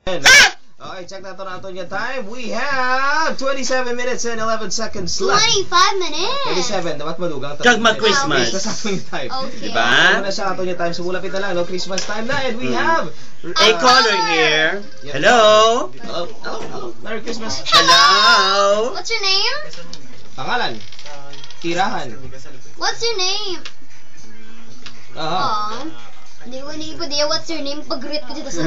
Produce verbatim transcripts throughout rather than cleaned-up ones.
Okay, check natin natin yung time. We have twenty-seven minutes and eleven seconds left. twenty-five minutes. twenty-seven, dapat madugang. Kag mag-Christmas. Sa atin yung time. Okay. Diba? Ano na siya atin yung time. So, mulapit na lang, no? Christmas time na. And we have... A uh, caller here. Yeah. Hello. Hello. Hello. Hello. Merry Christmas. Hello. What's your name? Pangalan. Tirahan. What's your name? Aha. Aww. Hindi ko hindi ko diya what's your name pag-greet ko dito sa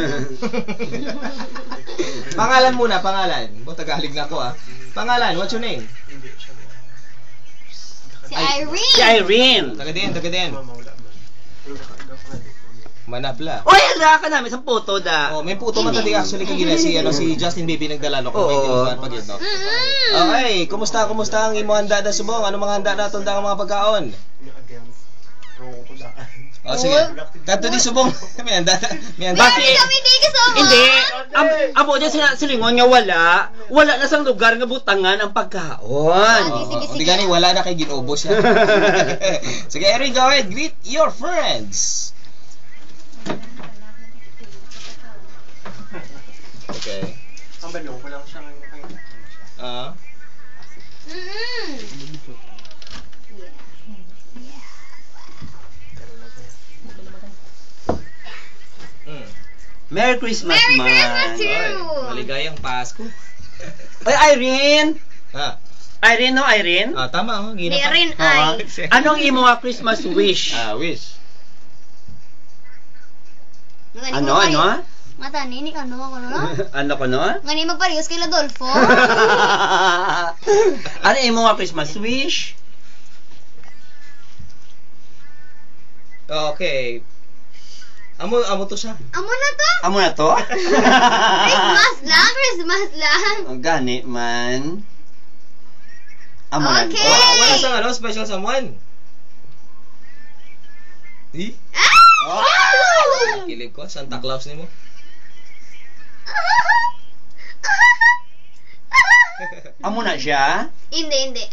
Pangalan muna, pangalan. Bo, Tagalog na ako ah. Pangalan, what's your name? Si Irene. Si Irene. Taga din, taga din. Manapla. Oy, hala ka namin sa photo da. Oh, may puto man tadi actually kagina si ano si Justin Bieber nagdala no kung may tinugan pag yun no. Okay, kumusta kumusta ang imo handa da subong? Ano mga handa naton da ang mga pagkaon? Oh, sige. Kadto di subong. May handa. May handa. Bakit? Kami di ka so Hindi. Am amo diyan sila silingon nga wala. Wala na sang lugar nga butangan ang pagkaon. Oh, oh, di gani wala na kay ginubos yan. Sige, Eric, go ahead. Greet your friends. Okay. Ang balong ko lang siya ngayon. Ah. Mm. Mm. Merry Christmas, Merry man. Christmas to Ay, you. maligayang Pasko. Ay, Irene. Ah. Irene, no, Irene? Ah, tama oh, gina pa. Irene Ah, ay. anong imo nga Christmas wish? Ah, wish. Ano, ano? Mata nini ano ako no? Ano ko no? Ngani magparehas kay Ladolfo. Ano imo nga Christmas wish? Okay. Amo amo to siya. Amo na to. Amo na to? Christmas lang, Christmas lang. Ang gani man. Amo na Okay. to. Wala, wala sang ano special someone. Di? Ah! Oh! Kilig ko Santa Claus nimo. Amo na siya? Hindi, hindi.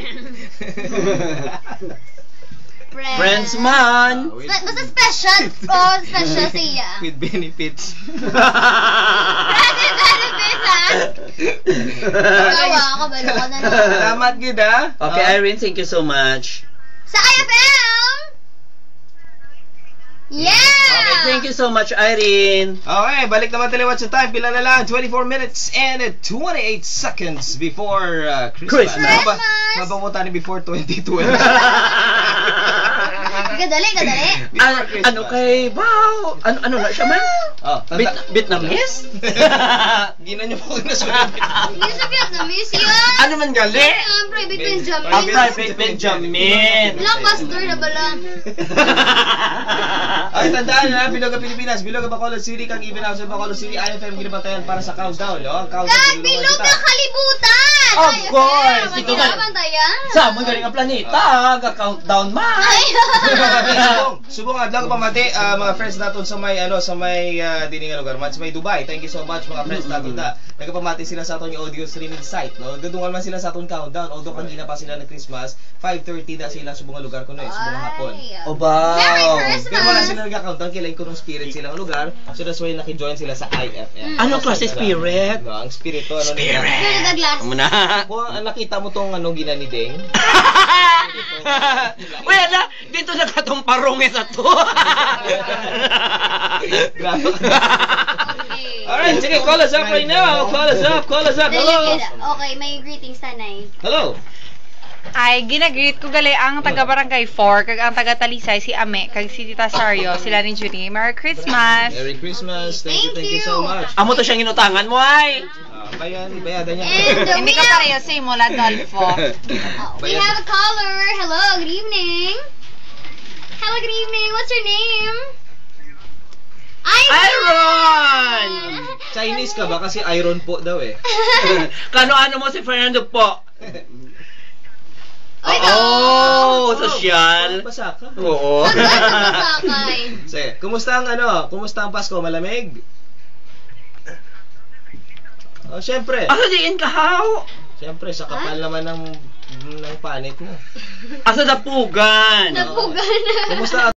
Friends. Friends man. Ah, with, Basta special. Oh, special siya. with benefits. Grabe, very pesa. Tawa ako, balo ko na lang. Salamat gid ah. Okay, Ah. Irene, thank you so much. Sa I F M! Yeah! Okay, thank you so much, Irene. Okay, balik naman tayo sa time. Pila na lang, twenty-four minutes and twenty-eight seconds before uh, Christmas. Christmas. Maba, mabamutan ni before twenty twelve. Kadali, kadali. Ano, ano kay, wow, ano, ano na siya man? Oh, Bit, tanda. Vietnamese? Gina niyo po nasunod. Hindi sa Vietnamese yan. Ano man gali? Ang private Benjamin. Ang private Benjamin. Blockbuster na bala. Ay, tandaan na, Biloga Pilipinas, Biloga Bacolod City, kang even house sa Bacolod City, I F M ginabatayan para sa countdown, no? Ang countdown. Kag bilog na kalibutan! Of Ay, course. Ito Ito na. na. Bantayan. Sa mo galing ang planeta, ga-countdown man. Ay. subong, subong adlaw ko pamati, ah, mga friends natin sa may, ano, sa may, uh, dini nga lugar, man, sa may Dubai. Thank you so much, mga friends natin da. Nagpamati sila sa aton yung audio streaming site, no? Gadungan man sila sa aton countdown, although kanina pa sila na Christmas, five thirty na sila subong nga lugar ko no, eh, subong nga hapon. Ay. Obaw. Merry Christmas! Pero wala sila nagka-countdown, kailan ko ng spirit silang lugar, so that's why naki-join sila sa I F M. Anong klase spirit? No, ang spirito, ano nila? Pero Douglas. Amo na. Kung ah, nakita mo tong ano ginanideng, Uy, ala, dito na katong parungi sa to. grabe. Okay. Alright, sige, call us up right now. Call us up, call us up. Hello. Okay, may greetings tanay. Hello. Ay, ginagreet ko gali ang taga Barangay four, kag ang taga Talisay, si Ame, kag si Tita Sario, sila ni Junie. Merry Christmas! Merry Christmas. Thank you, Thank thank you so you. much. Amo to siyang inutangan mo ay. Ah, bayan, bayadan niya. And uh, Hindi we ka have, pareho sa imo, Ladolfo. uh, we have a caller. Hello, good evening. Hello, good evening. What's your name? Iron! Iron! Chinese ka ba? Kasi iron po daw eh. Kano-ano mo si Fernando po? Oy, Oh, sosyal. Basa ka. Oo. Sakay. Sige, kumusta ang ano? Kumusta ang Pasko? Malamig? Oh, syempre. Asa diin ka how? Syempre, sa kapal naman ng ng panit mo. Asa dapugan? Napugan. Kumusta